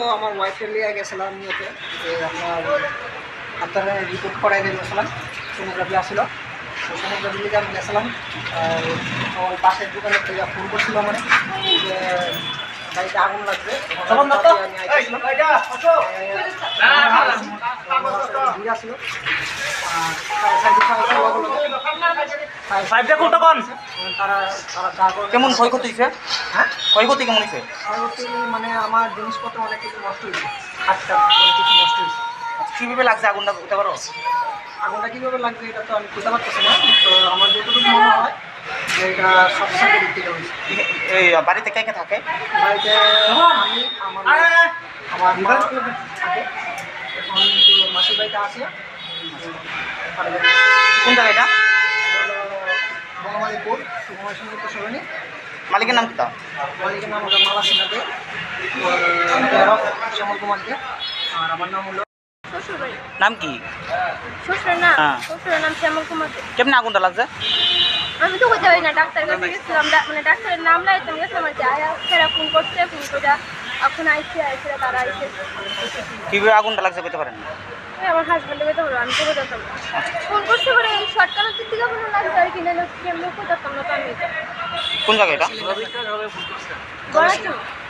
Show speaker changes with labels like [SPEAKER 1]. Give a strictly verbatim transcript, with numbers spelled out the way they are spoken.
[SPEAKER 1] আমার ওয়াইফের লিয়ে গেছিলাম ইয়েতে যে আপনার আপনার রিপোর্ট করাই গেছিলাম, সোনোগ্রাফি আসছিল, সোনোগ্রাফি লিগে আমি গেছিলাম। আর আমার পাশের দোকানে থেকে ফোন করছিল মানে যে বাড়িতে আগুন লাগবে, ছিল তারা তারা
[SPEAKER 2] কেমন ক্ষয়ক্ষতি হয়েছে?
[SPEAKER 1] হ্যাঁ
[SPEAKER 2] ক্ষয়ক্ষতি কেমন হয়েছে?
[SPEAKER 1] ক্ষয়ক্ষতি মানে আমার জিনিসপত্র অনেক কিছু নষ্ট হয়েছে, হাতটা অনেক কিছু নষ্ট হয়েছে।
[SPEAKER 2] কীভাবে লাগছে আগুনটা বুঝতে পারো?
[SPEAKER 1] আগুনটা কীভাবে লাগবে এটা তো আমি বুঝতে পারতেছি না, তো আমার যতটুকু মনে হয় যে এটা সব সাথে দিক থেকে হয়েছে।
[SPEAKER 2] এই বাড়িতে কে কে থাকে?
[SPEAKER 1] বাড়িতে আমি আমার আমার মা থাকে, এখন তো মাসির বাড়িতে আছে।
[SPEAKER 2] কোন জায়গাটা?
[SPEAKER 1] বঙ্গমালীপুর সুকুমার সঙ্গীত সরণি।
[SPEAKER 2] মালিকের নাম কি তা?
[SPEAKER 1] মালিকের নাম হলো মালা সিনহাতে, শ্যামল কুমারকে। আর আমার নাম হলো
[SPEAKER 3] শ্বশুরবাড়ি।
[SPEAKER 2] নাম কি?
[SPEAKER 3] শ্বশুরের নাম
[SPEAKER 2] হ্যাঁ।
[SPEAKER 3] শ্বশুরের নাম শ্যামল কুমার।
[SPEAKER 2] কেমন আগুনটা লাগছে?
[SPEAKER 3] আমি তো বলতে পারি না, ডাক্তার কাছে গেছিলাম, মানে ডাক্তারের নাম লাগাইতে গেছিলাম আর কি। আয়া সেরা ফোন করছে, ফোন করে এখন আইসে আইসে তারা আইসে।
[SPEAKER 2] কীভাবে আগুনটা লাগছে বলতে পারেন?
[SPEAKER 3] ওই আমার হাজব্যান্ডে বেঁধে হলো, আমি তো বোঝাতাম না। ফোন করছে পরে এই শর্টকাটের দিক থেকে কোনো লাগছে আর কি, নাহলে কেমন কোথাতাম না তো আমি।
[SPEAKER 2] কোন জায়গায় এটা?
[SPEAKER 3] গড়াচ্ছি